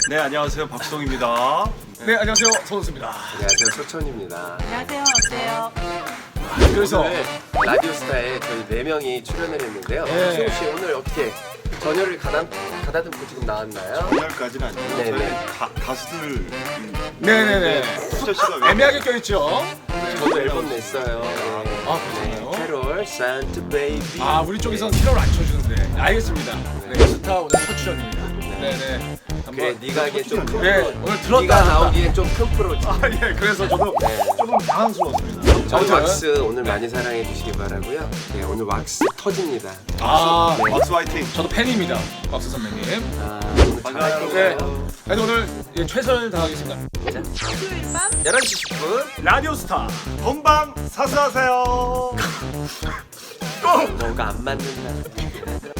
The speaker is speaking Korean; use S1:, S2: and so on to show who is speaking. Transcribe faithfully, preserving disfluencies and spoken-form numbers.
S1: 네, 안녕하세요. 박수동입니다.
S2: 네, 안녕하세요. 서은수입니다.
S3: 안녕하세요, 소천입니다.
S4: 안녕하세요. 어때요?
S2: 그래서
S3: 오늘 라디오스타에 저희 네 명이 출연을 했는데요.
S2: 네.
S3: 수홍 씨 오늘 어떻게 전열을 가다, 가다듬고 지금 나왔나요?
S1: 오늘까지는 아니고
S3: 네네.
S1: 저희 가, 가수들
S2: 네네네.
S1: 수철 씨가 왜
S2: 애매하게 껴있죠?
S3: 저도 앨범 냈어요. 네.
S2: 아, 그렇잖아요.
S3: 캐롤, 산타 베이비.
S2: 아, 우리 쪽에서는 캐롤 안 쳐주는데. 알겠습니다. 네, 스타 오늘 첫 출연입니다. 네네.
S3: 그래,
S2: 한번.
S3: 네가 하기엔 좀 큰
S2: 네,
S3: 프로.
S2: 오늘 들었다.
S3: 네가
S2: 놨다.
S3: 나오기엔 좀 큰 프로지.
S2: 아, 예, 그래서 저도
S3: 네.
S2: 조금 당황스러웠습니다.
S3: 저희
S2: 아무튼.
S3: 왁스 오늘 많이 사랑해 주시기 바라고요. 네, 오늘 왁스 터집니다.
S2: 아,
S3: 네.
S1: 박수 화이팅.
S2: 저도 팬입니다. 박수 선배님.
S3: 아, 오늘 잘할
S1: 반가워요.
S2: 네.
S3: 거예요.
S2: 그래도 오늘 예, 최선을 다하겠습니다.
S4: 수요일 밤
S3: 열한 시 십 분.
S1: 라디오스타 본방 사수하세요.
S3: 뭔가 안 맞는다.